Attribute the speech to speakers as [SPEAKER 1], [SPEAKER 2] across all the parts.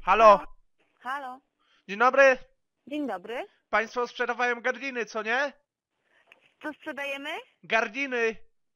[SPEAKER 1] Halo,
[SPEAKER 2] Halo.
[SPEAKER 1] dzień dobry.
[SPEAKER 2] Dzień dobry.
[SPEAKER 1] Państwo sprzedawają gardiny, co nie?
[SPEAKER 2] Co sprzedajemy?
[SPEAKER 1] Gardiny.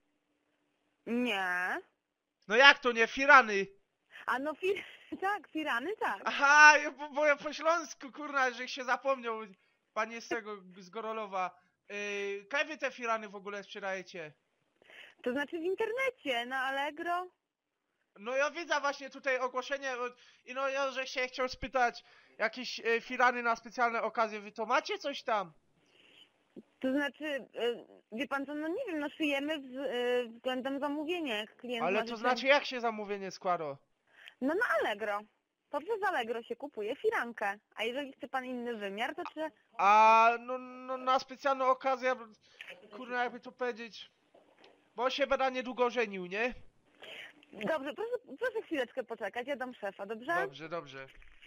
[SPEAKER 2] Nie.
[SPEAKER 1] No jak to nie? Firany.
[SPEAKER 2] A no tak, firany tak.
[SPEAKER 1] Aha, bo ja po śląsku, kurna, że się zapomniał. Pan jest z tego, z Gorolowa. Kaj wy te firany w ogóle sprzedajecie?
[SPEAKER 2] To znaczy w internecie, na Allegro.
[SPEAKER 1] No ja widzę właśnie tutaj ogłoszenie i no ja, że się chciał spytać jakieś firany na specjalne okazje. Wy to macie coś tam?
[SPEAKER 2] To znaczy, wie pan co, no nie wiem, no szyjemy względem zamówienia, jak klient
[SPEAKER 1] Ale
[SPEAKER 2] ma
[SPEAKER 1] to
[SPEAKER 2] życzenie.
[SPEAKER 1] znaczy jak się zamówienie składa?
[SPEAKER 2] No na Allegro. To przez Allegro się kupuje firankę. A jeżeli chce pan inny wymiar, to czy...
[SPEAKER 1] A no na specjalną okazję, kurna jakby to powiedzieć, bo się będę niedługo żenił, nie?
[SPEAKER 2] Dobrze, proszę chwileczkę poczekać, ja dam szefa, dobrze?
[SPEAKER 1] Dobrze, dobrze.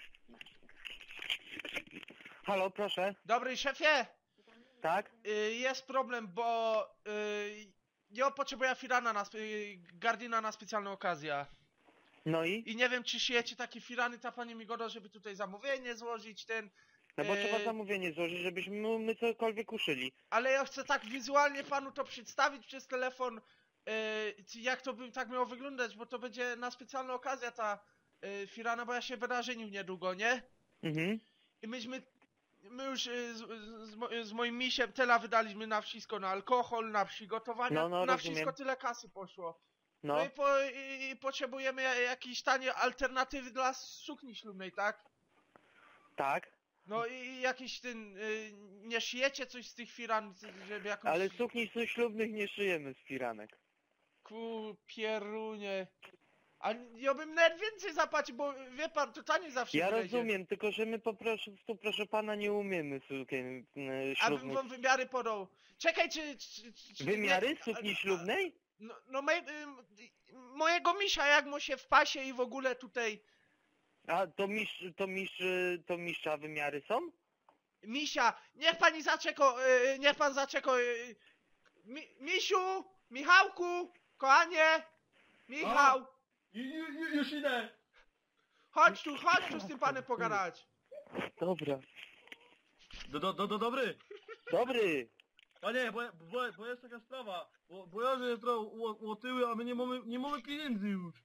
[SPEAKER 3] Halo, proszę.
[SPEAKER 1] Dobry szefie,
[SPEAKER 3] Tak?
[SPEAKER 1] jest problem, bo ja potrzebuję firana gardina na specjalną okazję.
[SPEAKER 3] No i?
[SPEAKER 1] I nie wiem, czy siejecie takie firany, ta pani mi goda, żeby tutaj zamówienie złożyć,
[SPEAKER 3] No bo trzeba zamówienie złożyć, żebyśmy my cokolwiek uszyli.
[SPEAKER 1] ale ja chcę tak wizualnie panu to przedstawić przez telefon, jak to by tak miało wyglądać, bo to będzie na specjalną okazję ta firana, bo ja się będę żenił niedługo, nie?
[SPEAKER 3] Mhm.
[SPEAKER 1] I my już z moim misiem tyle wydaliśmy na wszystko, na alkohol, na przygotowania,
[SPEAKER 3] No,
[SPEAKER 1] na
[SPEAKER 3] rozumiem.
[SPEAKER 1] wszystko tyle kasy poszło.
[SPEAKER 3] No.
[SPEAKER 1] No i potrzebujemy jakieś tanie alternatywy dla sukni ślubnej, tak?
[SPEAKER 3] Tak.
[SPEAKER 1] No i jakiś nie szyjecie coś z tych firan, żeby jakoś...
[SPEAKER 3] Ale sukni ślubnych nie szyjemy z firanek.
[SPEAKER 1] Pierunie. A ja bym nawet więcej zapłacił, bo wie pan, to taniej zawsze
[SPEAKER 3] Ja
[SPEAKER 1] wyjdzie.
[SPEAKER 3] rozumiem, tylko że my po prostu, proszę pana, nie umiemy sukien
[SPEAKER 1] A bym
[SPEAKER 3] ślubnych.
[SPEAKER 1] wam wymiary podał. Czekaj, czy
[SPEAKER 3] Wymiary
[SPEAKER 1] nie,
[SPEAKER 3] sukni ślubnej?
[SPEAKER 1] No mojego misia, jak mu się w pasie i w ogóle tutaj...
[SPEAKER 3] A to mistrza wymiary są?
[SPEAKER 1] Misia, niech pan zaczeka, Misiu, Michałku, kochanie, Michał,
[SPEAKER 4] Już idę!
[SPEAKER 1] chodź tu z tym panem pogadać.
[SPEAKER 3] Dobra.
[SPEAKER 4] Dobry!
[SPEAKER 3] Dobry.
[SPEAKER 4] Panie, bo jest taka sprawa, bo ja że trochę łotyły, a my nie mamy pieniędzy już.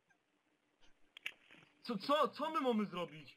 [SPEAKER 4] Co my mamy zrobić?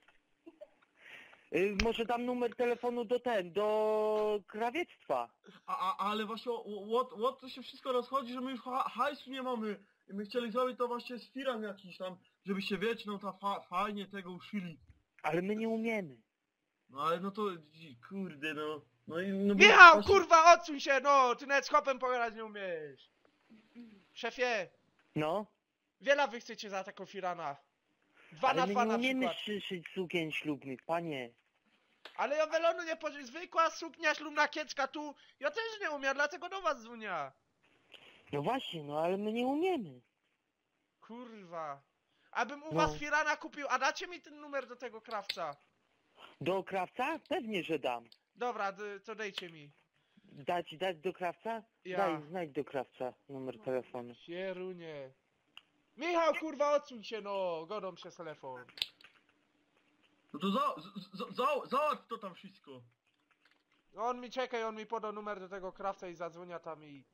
[SPEAKER 3] Może dam numer telefonu do krawiectwa.
[SPEAKER 4] Ale właśnie to się wszystko rozchodzi, że my już hajsu nie mamy. I my chcieli zrobić to właśnie z firan jakiś tam, żebyście wiecie, no fajnie tego uszyli.
[SPEAKER 3] Ale my nie umiemy.
[SPEAKER 4] No ale no to, kurde no. No i no bo
[SPEAKER 1] Michał,
[SPEAKER 4] właśnie-
[SPEAKER 1] kurwa, odsuń się, no, ty nawet z chłopem pogadać nie umiesz. Szefie,
[SPEAKER 3] No.
[SPEAKER 1] wiele wy chcecie za taką firana? 2
[SPEAKER 3] Ale
[SPEAKER 1] na
[SPEAKER 3] my
[SPEAKER 1] 2
[SPEAKER 3] nie
[SPEAKER 1] na
[SPEAKER 3] umiemy
[SPEAKER 1] przykład.
[SPEAKER 3] szyć sukien ślubnych, panie.
[SPEAKER 1] Ale ja welonu nie pożyję, zwykła suknia ślubna kiecka tu, ja też nie umiem, dlatego do was dzwonię.
[SPEAKER 3] No właśnie, no ale my nie umiemy.
[SPEAKER 1] Kurwa. Abym u
[SPEAKER 3] No.
[SPEAKER 1] was firana kupił, a dacie mi ten numer do tego krawca?
[SPEAKER 3] Do krawca? Pewnie, że dam.
[SPEAKER 1] Dobra, to dejcie mi.
[SPEAKER 3] Dać do krawca?
[SPEAKER 1] Ja.
[SPEAKER 3] Daj, znajdź do krawca numer telefonu.
[SPEAKER 1] Sierunie. Michał, kurwa, odsuń się, no, godą przez telefon.
[SPEAKER 4] No to załatw to tam wszystko.
[SPEAKER 1] On mi czekaj, on mi podał numer do tego krawca i zadzwonia tam i...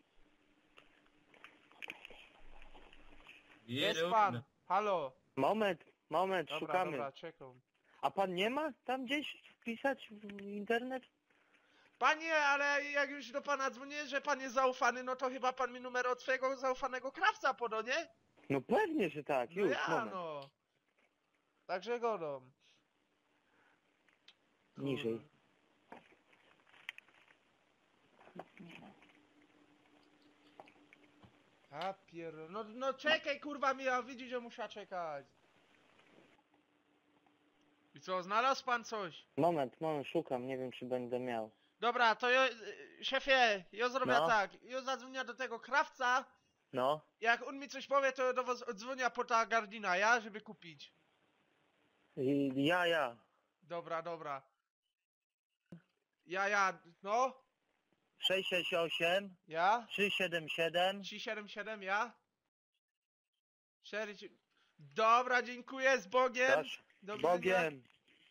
[SPEAKER 1] Jest pan, halo.
[SPEAKER 3] Moment,
[SPEAKER 1] Dobra,
[SPEAKER 3] szukamy.
[SPEAKER 1] dobra, czekam.
[SPEAKER 3] A pan nie ma tam gdzieś wpisać w internet?
[SPEAKER 1] Panie, ale jak już do pana dzwonię, że pan jest zaufany, no to chyba pan mi numer od swojego zaufanego krawca podał, nie?
[SPEAKER 3] No pewnie, że tak,
[SPEAKER 1] No
[SPEAKER 3] już,
[SPEAKER 1] ja,
[SPEAKER 3] moment.
[SPEAKER 1] no. Także godą.
[SPEAKER 3] Niżej.
[SPEAKER 1] No czekaj, kurwa, Michał, widzisz, że muszę czekać. I co, znalazł pan coś?
[SPEAKER 3] Moment, szukam, nie wiem czy będę miał.
[SPEAKER 1] Dobra, to ja, szefie, ja zrobię
[SPEAKER 3] No.
[SPEAKER 1] tak. Ja zadzwonię do tego krawca.
[SPEAKER 3] No,
[SPEAKER 1] Jak on mi coś powie, to ja do was odzwonię po ta gardina, ja? Żeby kupić.
[SPEAKER 3] ja.
[SPEAKER 1] Dobra. No?
[SPEAKER 3] 668
[SPEAKER 1] Ja?
[SPEAKER 3] 377
[SPEAKER 1] 377, ja? 4... Dobra, dziękuję, z Bogiem.
[SPEAKER 3] Proszę.
[SPEAKER 1] Do widzenia.
[SPEAKER 3] Bogiem.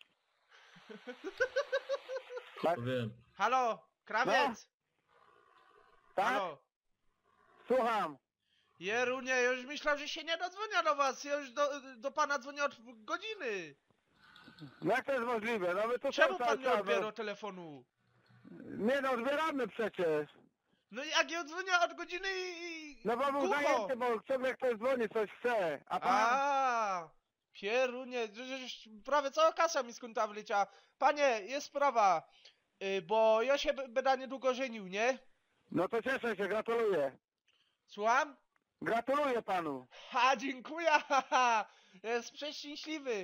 [SPEAKER 4] To wiem.
[SPEAKER 1] Halo, krawiec!
[SPEAKER 3] Tak?
[SPEAKER 1] Halo.
[SPEAKER 3] Słucham.
[SPEAKER 1] Jerunie, ja już myślałem, że się nie dodzwonię do was. Ja już do pana dzwonię od godziny.
[SPEAKER 3] Jak to jest możliwe? No my to
[SPEAKER 1] Czemu
[SPEAKER 3] są
[SPEAKER 1] pan nie
[SPEAKER 3] cały czas,
[SPEAKER 1] odbierał telefonu?
[SPEAKER 3] Nie no, odbieramy przecież.
[SPEAKER 1] No jak ja dzwonię od godziny i...
[SPEAKER 3] No bo był
[SPEAKER 1] głucho.
[SPEAKER 3] zajęty, bo ciągle ktoś dzwoni, coś chce. A pan...
[SPEAKER 1] A, Pierunie, przecież prawie cała kasa mi z konta wleciała. Panie, jest sprawa, bo ja się będę niedługo żenił, nie?
[SPEAKER 3] No to cieszę się, gratuluję.
[SPEAKER 1] Słucham?
[SPEAKER 3] Gratuluję panu.
[SPEAKER 1] Ha, dziękuję, haha, jest przeszczęśliwy.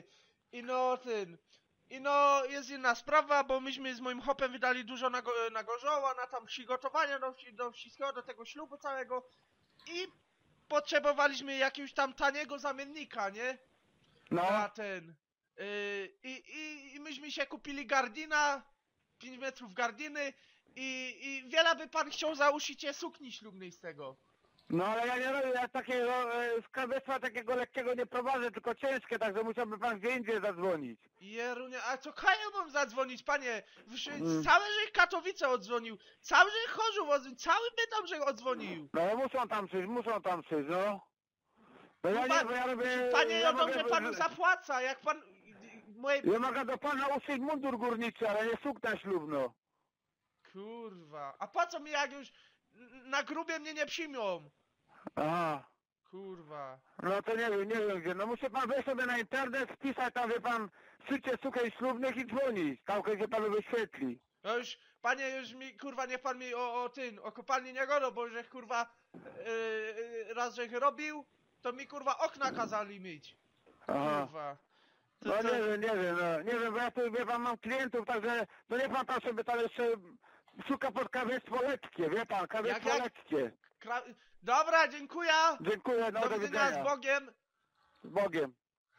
[SPEAKER 1] I no, jest inna sprawa, bo myśmy z moim hopem wydali dużo na gorzoła, na tam przygotowania do wszystkiego, do tego ślubu całego. I potrzebowaliśmy jakiegoś tam taniego zamiennika, nie?
[SPEAKER 3] No.
[SPEAKER 1] Na ten. I myśmy się kupili gardina, 5 metrów gardiny i wiele by pan chciał za uszycie sukni ślubnej z tego.
[SPEAKER 3] No ale ja nie robię, ja takiego skarbectwa takiego lekkiego nie prowadzę, tylko ciężkie, także musiałby pan gdzie indziej zadzwonić.
[SPEAKER 1] Jerunie, a co ja mam zadzwonić, panie? Cały żech Katowice odzwonił, cały żech Chorzów odzwonił, cały Bytom żech odzwonił.
[SPEAKER 3] No muszą tam przyjść, no. No ja nie, bo ja robię...
[SPEAKER 1] Panie, ja
[SPEAKER 3] mogę-
[SPEAKER 1] dobrze panu zapłaca, jak pan... Moje...
[SPEAKER 3] Ja mogę do pana uszyć mundur górniczy, ale nie sukna ślubno.
[SPEAKER 1] Kurwa, a po co mi jak już na grubie mnie nie przyjmą?
[SPEAKER 3] Aha.
[SPEAKER 1] Kurwa.
[SPEAKER 3] No to nie wiem gdzie. No musi pan wejść sobie na internet, wpisać tam, wie pan, szycie sukien ślubnych i dzwonić. Tam gdzie panu wyświetli.
[SPEAKER 1] No już, panie, już mi, kurwa, niech pan mi o kopalni nie godo, bo żech, kurwa, raz żech robił, to mi, kurwa, okna kazali myć.
[SPEAKER 3] Aha.
[SPEAKER 1] Kurwa.
[SPEAKER 3] No nie wiem, bo ja tu, wie pan, mam klientów, także, no nie pan sobie tam jeszcze szuka pod krawiectwo lekkie, wie pan, krawiectwo
[SPEAKER 1] Jak?
[SPEAKER 3] lekkie.
[SPEAKER 1] Dobra, dziękuję.
[SPEAKER 3] Dziękuję, no
[SPEAKER 1] Do widzenia, z Bogiem.
[SPEAKER 3] Z Bogiem.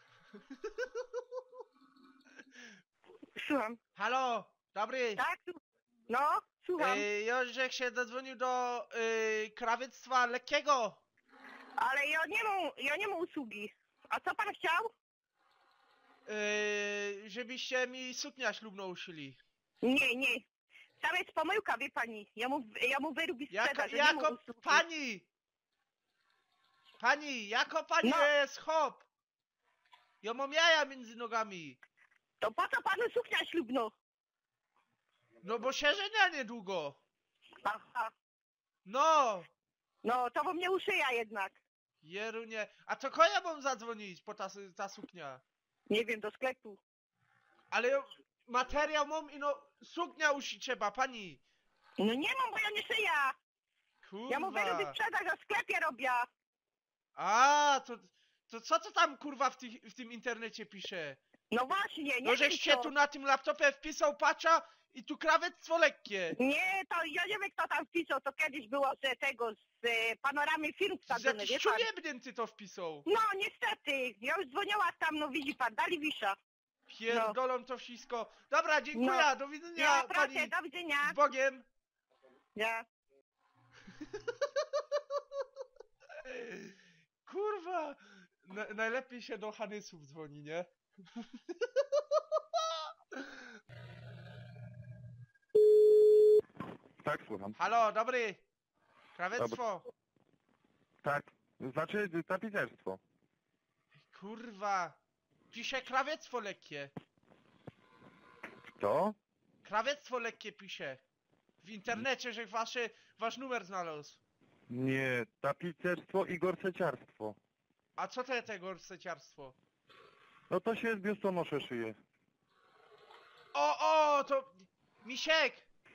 [SPEAKER 2] Słucham.
[SPEAKER 1] Halo, dobry.
[SPEAKER 2] Tak? No, słucham.
[SPEAKER 1] Ja żech się zadzwonił do krawiectwa lekkiego.
[SPEAKER 2] Ale ja nie mam usługi. A co pan chciał?
[SPEAKER 1] Żebyście mi suknia ślubną uszyli.
[SPEAKER 2] Nie. Tam jest pomyłka, wie pani. Ja mu wyrobi sprzedaż, że nie ma
[SPEAKER 1] Jako
[SPEAKER 2] usługi.
[SPEAKER 1] pani, jako pani
[SPEAKER 2] No.
[SPEAKER 1] jest hop. Ja mam jaja między nogami.
[SPEAKER 2] To po co panu suknia ślubno?
[SPEAKER 1] No bo się żenia niedługo.
[SPEAKER 2] Aha.
[SPEAKER 1] No.
[SPEAKER 2] No, to bo mnie uszyja jednak.
[SPEAKER 1] Jerunie. A to kogo ja mam zadzwonić po ta suknia?
[SPEAKER 2] Nie wiem, do sklepu.
[SPEAKER 1] Ale materiał mam i no suknia uszyć trzeba, pani.
[SPEAKER 2] No nie mam, bo ja nie szyję.
[SPEAKER 1] Kurwa.
[SPEAKER 2] Ja mu wyrobię sprzedaż, a w sklepie robię.
[SPEAKER 1] A, to co to tam kurwa w tym internecie pisze?
[SPEAKER 2] No właśnie, nie
[SPEAKER 1] No
[SPEAKER 2] wiem
[SPEAKER 1] żeś się
[SPEAKER 2] co.
[SPEAKER 1] tu na tym laptopie wpisał patcha i tu krawiectwo lekkie.
[SPEAKER 2] Nie, to ja nie wiem, kto tam wpisał. To kiedyś było z tego, z panoramy film
[SPEAKER 1] Z
[SPEAKER 2] wsadzone,
[SPEAKER 1] jakiś
[SPEAKER 2] wie pan?
[SPEAKER 1] czujebnięty to wpisał.
[SPEAKER 2] No, niestety. Ja już dzwoniła tam, no widzi pan, dali wisza.
[SPEAKER 1] Pierdolą to wszystko. Dobra, dziękuję,
[SPEAKER 2] No.
[SPEAKER 1] do widzenia
[SPEAKER 2] Ja, proszę,
[SPEAKER 1] pani.
[SPEAKER 2] do widzenia.
[SPEAKER 1] Z Bogiem.
[SPEAKER 2] Ja.
[SPEAKER 1] Kurwa. Najlepiej się do Hanysów dzwoni, nie?
[SPEAKER 5] Tak, słucham.
[SPEAKER 1] Halo, dobry. Krawiectwo.
[SPEAKER 5] Tak, znaczy tapicerstwo.
[SPEAKER 1] Kurwa. Pisze krawiectwo lekkie.
[SPEAKER 5] To?
[SPEAKER 1] Krawiectwo lekkie pisze. W internecie, że wasz numer znalazł.
[SPEAKER 5] Nie, tapicerstwo i gorseciarstwo.
[SPEAKER 1] A co to tego seciarstwo?
[SPEAKER 5] No to się z biustonosze szyje.
[SPEAKER 1] O, to... Misiek!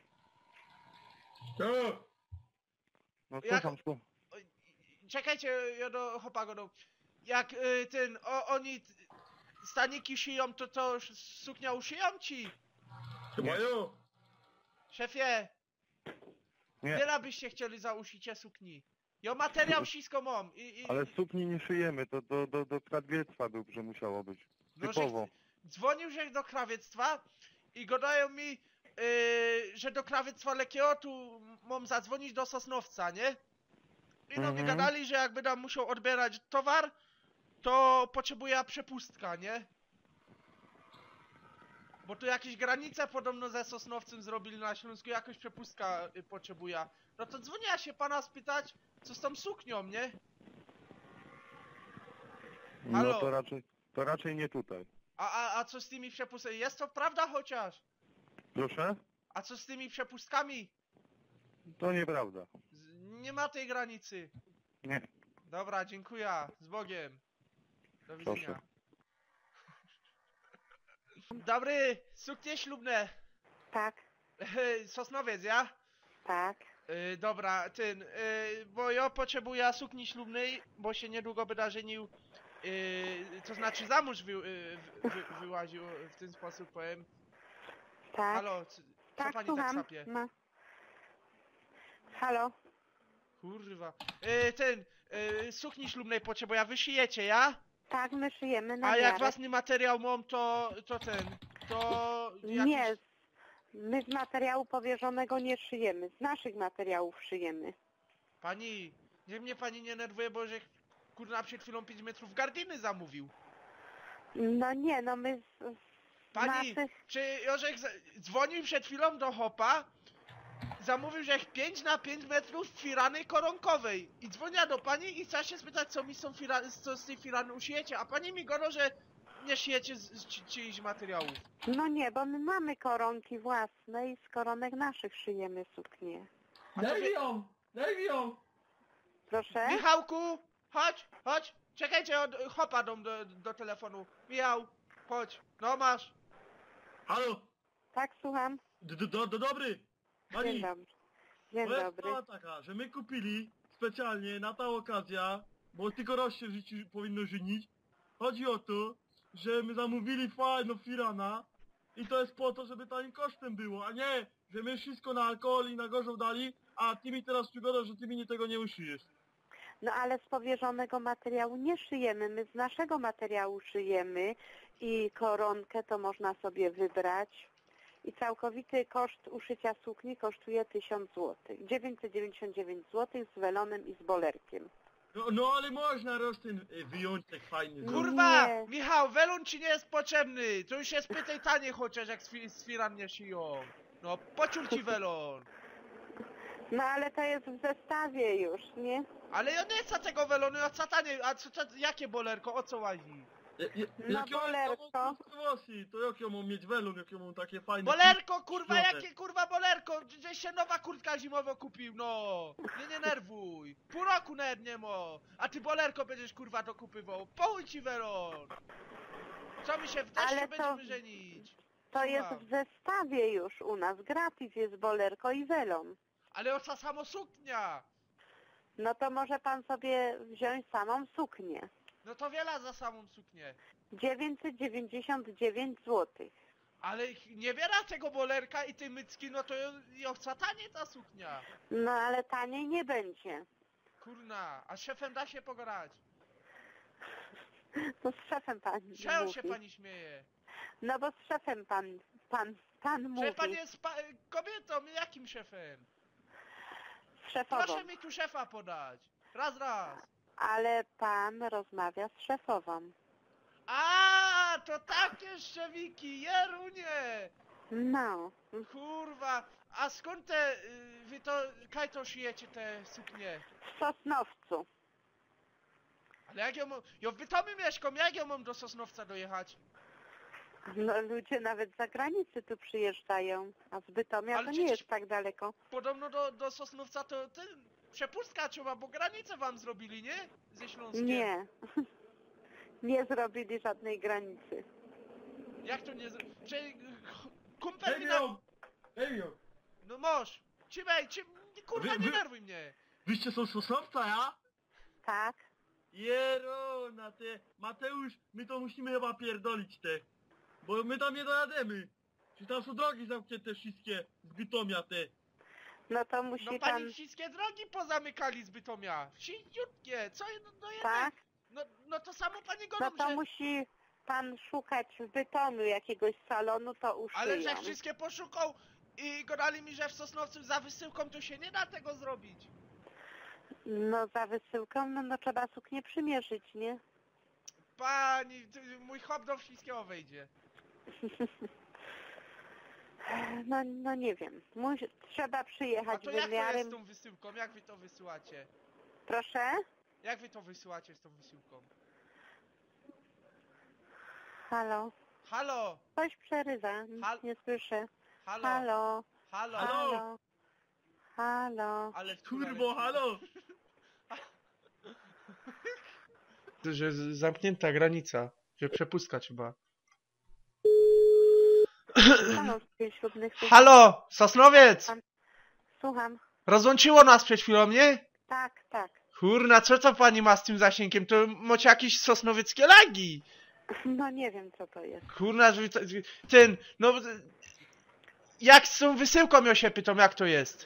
[SPEAKER 4] To.
[SPEAKER 5] No
[SPEAKER 1] Jak-
[SPEAKER 5] słucham, słucham.
[SPEAKER 1] Czekajcie, ja do Hopago do... Jak oni staniki szyją, to suknia uszyją ci?
[SPEAKER 4] Chyba jo.
[SPEAKER 1] Szefie,
[SPEAKER 5] Nie,
[SPEAKER 1] wiele byście chcieli za uszycie sukni. Ja materiał wszystko mam
[SPEAKER 5] ale sukni nie szyjemy, to do krawiectwa dobrze musiało być.
[SPEAKER 1] no,
[SPEAKER 5] Typowo.
[SPEAKER 1] dzwonił że do krawiectwa i gadają mi, że do krawiectwa lekkiego tu mam zadzwonić do Sosnowca, nie? I no mi gadali, że jakby tam musiał odbierać towar, to potrzebuje przepustka, nie? Bo tu jakieś granice podobno ze Sosnowcem zrobili na Śląsku, jakoś przepustka potrzebuje. No to dzwonię ja się pana spytać, co z tą suknią, nie? Halo?
[SPEAKER 5] No to raczej nie tutaj.
[SPEAKER 1] A co z tymi przepustkami? Jest to prawda chociaż?
[SPEAKER 5] Proszę?
[SPEAKER 1] A co z tymi przepustkami?
[SPEAKER 5] To nieprawda.
[SPEAKER 1] Nie ma tej granicy.
[SPEAKER 5] Nie.
[SPEAKER 1] Dobra, dziękuję. Z Bogiem. Do widzenia.
[SPEAKER 5] Proszę.
[SPEAKER 1] Dobry, suknie ślubne.
[SPEAKER 2] Tak,
[SPEAKER 1] Sosnowiec, ja?
[SPEAKER 2] tak.
[SPEAKER 1] Dobra, bo ja potrzebuję sukni ślubnej, bo się niedługo będę żenił, to znaczy za mąż wyłaził, w ten sposób powiem.
[SPEAKER 2] Tak,
[SPEAKER 1] Halo, co
[SPEAKER 2] tak,
[SPEAKER 1] pani
[SPEAKER 2] słucham.
[SPEAKER 1] tak sapie?
[SPEAKER 2] No. Halo?
[SPEAKER 1] Kurwa. Sukni ślubnej potrzebuję, wy szyjecie, ja?
[SPEAKER 2] Tak, my szyjemy na
[SPEAKER 1] A jak
[SPEAKER 2] miarę.
[SPEAKER 1] własny materiał mam, to jakiś...
[SPEAKER 2] Nie, my z materiału powierzonego nie szyjemy. Z naszych materiałów szyjemy.
[SPEAKER 1] Pani, niech mnie pani nie nerwuje, bo że kurna przed chwilą 5 metrów gardiny zamówił.
[SPEAKER 2] No nie, no my z
[SPEAKER 1] Pani,
[SPEAKER 2] naszych...
[SPEAKER 1] czy Jorzek dzwonił przed chwilą do Hopa, zamówił, że 5 na 5 metrów firany koronkowej i dzwonia do pani i chce się spytać, co mi co z tej firany uszyjecie, a pani mi godo, że nie szyjecie z czyichś materiałów.
[SPEAKER 2] No nie, bo my mamy koronki własne i z koronek naszych szyjemy suknie.
[SPEAKER 4] Daj mi ją!
[SPEAKER 2] Proszę?
[SPEAKER 1] Michałku, chodź, czekajcie, Hopa do telefonu. Michał, chodź, no masz.
[SPEAKER 4] Halo!
[SPEAKER 2] Tak, słucham.
[SPEAKER 4] Dobry!
[SPEAKER 2] Dzień
[SPEAKER 4] Pani,
[SPEAKER 2] dobry. Dzień
[SPEAKER 4] to jest
[SPEAKER 2] dobry.
[SPEAKER 4] sprawa taka, że my kupili specjalnie na ta okazja, bo tylko raz się w życiu powinno żenić. Chodzi o to, że my zamówili fajną firana i to jest po to, żeby tanim kosztem było, a nie, że my wszystko na alkohol i na gorzą dali, a ty mi teraz przygodasz, że ty mi tego nie uszyjesz.
[SPEAKER 2] No ale z powierzonego materiału nie szyjemy, my z naszego materiału szyjemy i koronkę to można sobie wybrać. I całkowity koszt uszycia sukni kosztuje 1000 zł. 999 zł z welonem i z bolerkiem.
[SPEAKER 4] No ale można ten wyjąć tak fajny.
[SPEAKER 1] Kurwa,
[SPEAKER 2] Nie.
[SPEAKER 1] Michał, welon ci nie jest potrzebny, to już jest pytaj tanie chociaż jak z firan nie szyją. No, pociął ci welon.
[SPEAKER 2] No ale to jest w zestawie już, nie?
[SPEAKER 1] Ale ja nie chcę tego welonu, ja chcę tanie, a jakie bolerko, o co łazi?
[SPEAKER 2] No bolerko.
[SPEAKER 4] To jak ja mam mieć welon, jak ja mam takie fajne...
[SPEAKER 1] Bolerko, kurwa,
[SPEAKER 4] Środek.
[SPEAKER 1] jakie kurwa bolerko? Gdzieś się nowa kurtka zimowa kupił, no. Nie nerwuj. Pół roku nawet nie ma. A ty bolerko będziesz kurwa dokupywał. Połuj ci welon. Co mi się w deszczu
[SPEAKER 2] Ale to-
[SPEAKER 1] będziemy żenić?
[SPEAKER 2] To jest
[SPEAKER 1] Słucham.
[SPEAKER 2] w zestawie już u nas. Gratis jest bolerko i welon.
[SPEAKER 1] Ale oca samo suknia.
[SPEAKER 2] No to może pan sobie wziąć samą suknię.
[SPEAKER 1] No to wiele za samą suknię.
[SPEAKER 2] 999 zł.
[SPEAKER 1] Ale nie wiera tego bolerka i tej mycki, no to ją chce tanie ta suknia.
[SPEAKER 2] No ale taniej nie będzie.
[SPEAKER 1] Kurna, a z szefem da się pograć.
[SPEAKER 2] To z szefem pan
[SPEAKER 1] Czego
[SPEAKER 2] mówi.
[SPEAKER 1] się pani śmieje?
[SPEAKER 2] No bo z szefem pan mówi.
[SPEAKER 1] Szef pan jest kobietą, jakim szefem?
[SPEAKER 2] Z szefową.
[SPEAKER 1] Proszę mi tu szefa podać. Raz.
[SPEAKER 2] Ale pan rozmawia z szefową.
[SPEAKER 1] A, to takie szczewiki, Jerunie!
[SPEAKER 2] No.
[SPEAKER 1] Kurwa, a skąd wy to, kaj to szyjecie te suknie?
[SPEAKER 2] W Sosnowcu.
[SPEAKER 1] Ale jak ja w Bytomiu mieszkam, jak ja mam do Sosnowca dojechać?
[SPEAKER 2] No ludzie nawet z zagranicy tu przyjeżdżają. A z Bytomia
[SPEAKER 1] Ale
[SPEAKER 2] to nie
[SPEAKER 1] przecież-
[SPEAKER 2] jest tak daleko.
[SPEAKER 1] Podobno do Sosnowca to przepustka trzeba, bo granicę wam zrobili, nie? Ze Śląskiem.
[SPEAKER 2] Nie. Nie zrobili żadnej granicy.
[SPEAKER 1] Jak to nie kumpel mi na...
[SPEAKER 4] Daj mi ją!
[SPEAKER 1] No moż! Kurwa, nie nerwuj mnie!
[SPEAKER 4] Wyście są Sosnowca, ja?
[SPEAKER 2] Tak?
[SPEAKER 4] Jerona, Mateusz, my to musimy chyba pierdolić bo my tam nie dojademy. Czy tam są drogi zamknięte wszystkie z Bytomia
[SPEAKER 2] No to musi
[SPEAKER 1] No
[SPEAKER 2] pan...
[SPEAKER 1] pani wszystkie drogi pozamykali z Bytomia. Wsięciutkie, co no jednak...
[SPEAKER 2] Tak?
[SPEAKER 1] No to samo pani
[SPEAKER 2] No
[SPEAKER 1] godą,
[SPEAKER 2] to
[SPEAKER 1] że...
[SPEAKER 2] musi pan szukać w Bytomiu jakiegoś salonu, to uszyją.
[SPEAKER 1] Ale że wszystkie poszukał i gadali mi, że w Sosnowcu za wysyłką to się nie da tego zrobić.
[SPEAKER 2] No za wysyłką, no trzeba suknię przymierzyć, nie?
[SPEAKER 1] Pani, mój hop do wszystkiego wejdzie.
[SPEAKER 2] No nie wiem. Trzeba
[SPEAKER 1] A
[SPEAKER 2] przyjechać
[SPEAKER 1] to jak to jest
[SPEAKER 2] wymiarem.
[SPEAKER 1] z tą wysyłką? Jak wy to wysyłacie?
[SPEAKER 2] Proszę?
[SPEAKER 1] Jak wy to wysyłacie z tą wysyłką?
[SPEAKER 2] Halo?
[SPEAKER 1] Halo!
[SPEAKER 2] Coś przerywa. Nic
[SPEAKER 1] Hal-
[SPEAKER 2] nie słyszę.
[SPEAKER 1] Halo!
[SPEAKER 2] Halo?
[SPEAKER 1] Halo!
[SPEAKER 2] Halo? Halo?
[SPEAKER 1] Ale
[SPEAKER 4] Kurwo, halo!
[SPEAKER 1] Że zamknięta granica, że przepustka trzeba.
[SPEAKER 2] Halo, ślubnych.
[SPEAKER 1] Halo! Sosnowiec!
[SPEAKER 2] Słucham.
[SPEAKER 1] Rozłączyło nas przed chwilą, nie?
[SPEAKER 2] Tak, tak.
[SPEAKER 1] Kurna, co to pani ma z tym zasięgiem? To macie jakieś sosnowieckie lagi!
[SPEAKER 2] No nie wiem co to jest.
[SPEAKER 1] Kurna, że ten, no... Jak z tą wysyłką ja się pytam, jak to jest?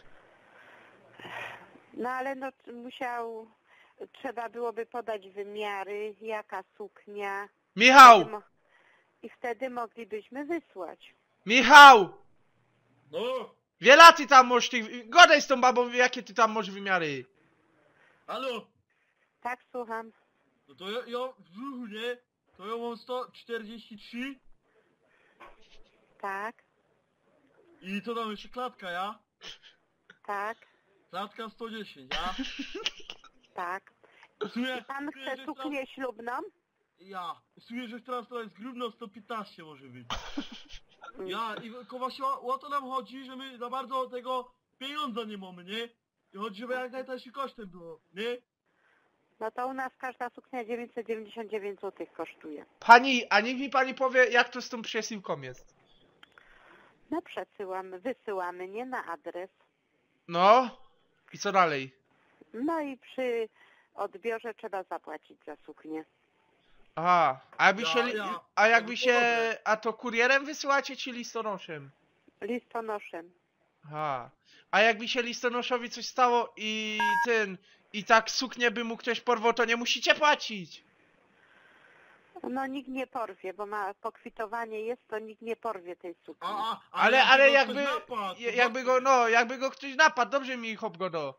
[SPEAKER 2] No ale no trzeba byłoby podać wymiary, jaka suknia.
[SPEAKER 1] Michał!
[SPEAKER 2] I wtedy moglibyśmy wysłać.
[SPEAKER 1] Michał!
[SPEAKER 4] No,
[SPEAKER 1] Wiela ty tam masz tych... Godaj z tą babą, jakie ty tam masz wymiary?
[SPEAKER 4] halo!
[SPEAKER 2] Tak, słucham.
[SPEAKER 4] No to ja w brzuchu, nie? To ja mam 143
[SPEAKER 2] Tak,
[SPEAKER 4] i co tam jeszcze klatka, ja?
[SPEAKER 2] tak,
[SPEAKER 4] Klatka 110, ja?
[SPEAKER 2] tak.
[SPEAKER 4] W sumie,
[SPEAKER 2] Pan
[SPEAKER 4] czuję,
[SPEAKER 2] chce
[SPEAKER 4] że
[SPEAKER 2] suknię ślubną?
[SPEAKER 4] Ja. Czuję, że teraz to jest grudno 115 może być. Ja, i tylko właśnie o to nam chodzi, że my za bardzo tego pieniądza nie mamy, nie? I chodzi, żeby jak najtańszym kosztem było, nie?
[SPEAKER 2] No to u nas każda suknia 999 zł kosztuje.
[SPEAKER 1] Pani, a niech mi pani powie, jak to z tą przesyłką jest?
[SPEAKER 2] No wysyłamy, nie na adres.
[SPEAKER 1] No? I co dalej?
[SPEAKER 2] No i przy odbiorze trzeba zapłacić za suknię.
[SPEAKER 1] Aha, a jakby się... A jakby
[SPEAKER 4] No to
[SPEAKER 1] się...
[SPEAKER 4] dobre.
[SPEAKER 1] A to kurierem wysyłacie, czy listonoszem?
[SPEAKER 2] Listonoszem.
[SPEAKER 1] Aha. A jakby się listonoszowi coś stało i i tak suknię by mu ktoś porwał, to nie musicie płacić.
[SPEAKER 2] No nikt nie porwie, bo ma pokwitowanie jest, to nikt nie porwie tej sukni.
[SPEAKER 1] Ale
[SPEAKER 4] go
[SPEAKER 1] jakby...
[SPEAKER 4] ktoś napadł, to
[SPEAKER 1] Jakby go, no, jakby go ktoś napadł, dobrze mi hop go do.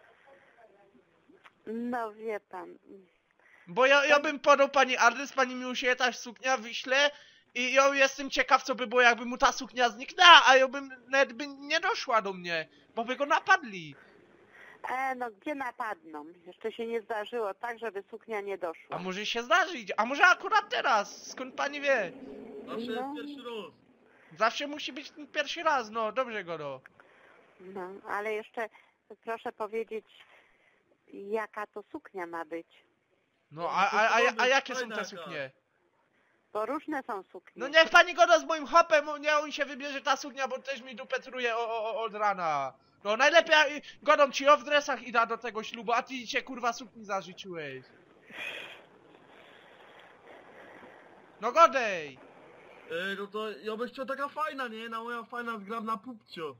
[SPEAKER 2] No wie pan.
[SPEAKER 1] Bo ja bym podał pani adres, pani mi usiuje ta suknia, wyśle i ja jestem ciekaw, co by było, jakby mu ta suknia zniknęła, a ja bym nawet by nie doszła do mnie, bo by go napadli.
[SPEAKER 2] No gdzie napadną? Jeszcze się nie zdarzyło tak, żeby suknia nie
[SPEAKER 1] A
[SPEAKER 2] doszła.
[SPEAKER 1] może się zdarzyć, a może akurat teraz, skąd pani wie?
[SPEAKER 4] Zawsze
[SPEAKER 2] No.
[SPEAKER 4] jest pierwszy raz.
[SPEAKER 1] Zawsze musi być ten pierwszy raz, no, dobrze go do.
[SPEAKER 2] No, ale jeszcze proszę powiedzieć, jaka to suknia ma być.
[SPEAKER 1] No, a jakie są te suknie?
[SPEAKER 2] Bo różne są suknie.
[SPEAKER 1] No niech pani goda z moim hopem, nie on się wybierze ta suknia, bo też mi dupę truje od rana. No najlepiej godą ci o w dresach i da do tego ślubu, a ty się kurwa sukni zażyczyłeś. No godej!
[SPEAKER 4] No to ja bym chciał taka fajna, nie? Na moja fajna zgrabna pupcio.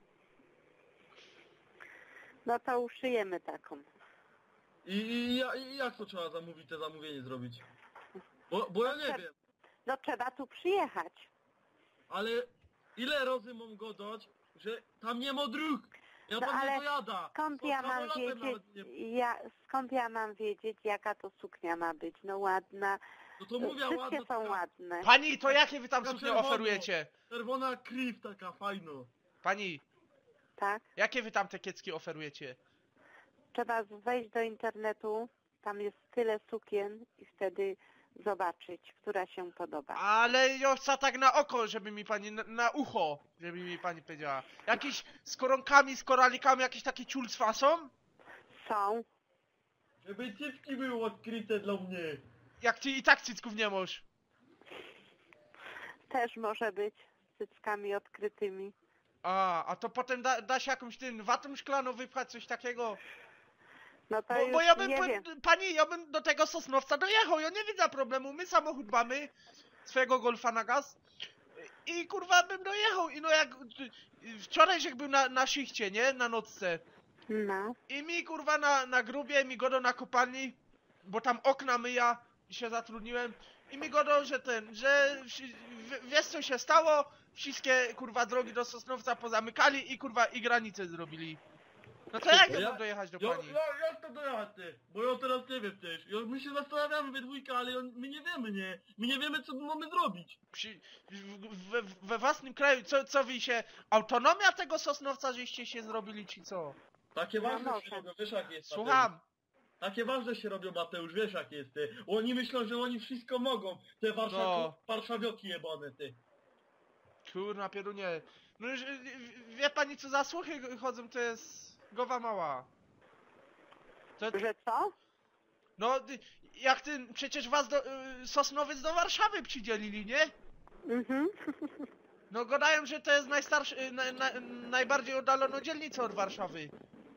[SPEAKER 2] No to uszyjemy taką.
[SPEAKER 4] I jak to trzeba zamówić, te zamówienie zrobić? Bo ja nie wiem.
[SPEAKER 2] No trzeba tu przyjechać.
[SPEAKER 4] Ale ile razy mam godać, że tam nie ma dróg? Ja
[SPEAKER 2] No
[SPEAKER 4] pan
[SPEAKER 2] ale
[SPEAKER 4] nie dojada.
[SPEAKER 2] Skąd
[SPEAKER 4] To
[SPEAKER 2] ja mam
[SPEAKER 4] samolotem
[SPEAKER 2] wiedzieć,
[SPEAKER 4] nawet nie-
[SPEAKER 2] skąd ja mam wiedzieć, jaka to suknia ma być? No ładna.
[SPEAKER 4] No to mówię,
[SPEAKER 2] Wszystkie
[SPEAKER 4] ładna
[SPEAKER 2] są
[SPEAKER 4] taka
[SPEAKER 2] ładne.
[SPEAKER 1] Pani, to jakie wy tam
[SPEAKER 4] Taka
[SPEAKER 1] suknie
[SPEAKER 4] czerwona.
[SPEAKER 1] oferujecie?
[SPEAKER 4] czerwona kriw taka fajna.
[SPEAKER 1] Pani,
[SPEAKER 2] Tak?
[SPEAKER 1] jakie wy tam te kiecki oferujecie?
[SPEAKER 2] Trzeba wejść do internetu, tam jest tyle sukien i wtedy zobaczyć, która się podoba.
[SPEAKER 1] Ale ja chcę tak na oko, żeby mi pani, na ucho, żeby mi pani powiedziała. Jakieś z koronkami, z koralikami, jakieś takie ciulctwa są?
[SPEAKER 2] Są.
[SPEAKER 4] Żeby cycki były odkryte dla mnie.
[SPEAKER 1] Jak ty i tak cycków nie masz.
[SPEAKER 2] Też może być z cyckami odkrytymi.
[SPEAKER 1] A to potem da się jakąś watą szklaną wypchać, coś takiego?
[SPEAKER 2] No to
[SPEAKER 1] Bo
[SPEAKER 2] już
[SPEAKER 1] ja bym,
[SPEAKER 2] nie wiem.
[SPEAKER 1] pani, ja bym do tego Sosnowca dojechał, ja nie widzę problemu, my samochód mamy, swojego Golfa na gaz i kurwa bym dojechał i no jak, wczoraj jak był na szychcie, nie, na nocce
[SPEAKER 2] No.
[SPEAKER 1] i mi kurwa na grubie, mi godo na kopalni, bo tam okna myja i się zatrudniłem i mi godo, że wiesz co się stało, wszystkie kurwa drogi do Sosnowca pozamykali i kurwa i granice zrobili. No to jak
[SPEAKER 4] No
[SPEAKER 1] ja mam dojechać do
[SPEAKER 4] Ja,
[SPEAKER 1] pani?
[SPEAKER 4] jak to dojechać ty? Bo ja teraz nie wiem też. My się zastanawiamy we dwójkę, ale my nie wiemy, nie? My nie wiemy co my mamy zrobić.
[SPEAKER 1] We własnym kraju, co wy się... Autonomia tego Sosnowca żeście się zrobili, czy co?
[SPEAKER 4] Takie
[SPEAKER 2] No
[SPEAKER 4] ważne
[SPEAKER 2] może.
[SPEAKER 4] się robią, wiesz jak jest.
[SPEAKER 1] Słucham.
[SPEAKER 4] Takie ważne się robią, Mateusz, wiesz jak jest ty. Oni myślą, że oni wszystko mogą. Te
[SPEAKER 1] No.
[SPEAKER 4] warszawioki jebane ty.
[SPEAKER 1] Kurna pierunie. No już, wie pani co za słuchy chodzą, to jest głowa mała. To,
[SPEAKER 2] Że co?
[SPEAKER 1] no, jak ty, przecież was Sosnowiec do Warszawy przydzielili, nie?
[SPEAKER 2] Mhm.
[SPEAKER 1] No gadają, że to jest najstarszy, najbardziej oddaloną dzielnicą od Warszawy.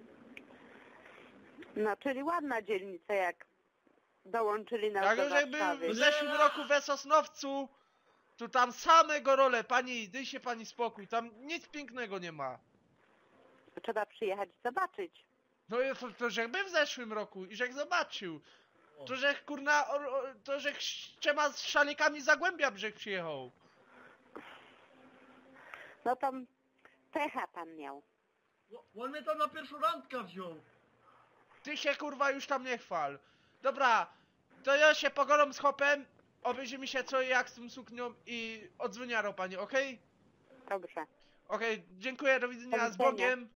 [SPEAKER 2] No, czyli ładna dzielnica, jak dołączyli nas
[SPEAKER 1] Jak
[SPEAKER 2] do
[SPEAKER 1] już jakby
[SPEAKER 2] Warszawy.
[SPEAKER 1] w zeszłym roku we Sosnowcu, to tam same gorole, pani, daj się pani spokój, tam nic pięknego nie ma.
[SPEAKER 2] Trzeba przyjechać i zobaczyć.
[SPEAKER 1] No i to żech był w zeszłym roku i żech zobaczył.
[SPEAKER 4] O.
[SPEAKER 1] To żech kurna, to żech trzema z szalikami z Zagłębia brzeg przyjechał.
[SPEAKER 2] No to pecha pan miał.
[SPEAKER 4] On mnie tam na pierwszą randkę wziął.
[SPEAKER 1] Ty się kurwa już tam nie chwal. Dobra, to ja się pogadam z Hopem, obejrzy mi się co i jak z tym suknią i odzwoniarą pani, okej?
[SPEAKER 2] Dobrze.
[SPEAKER 1] Okej, dziękuję, do widzenia,
[SPEAKER 2] Do
[SPEAKER 1] z
[SPEAKER 2] widzenia.
[SPEAKER 1] Bogiem.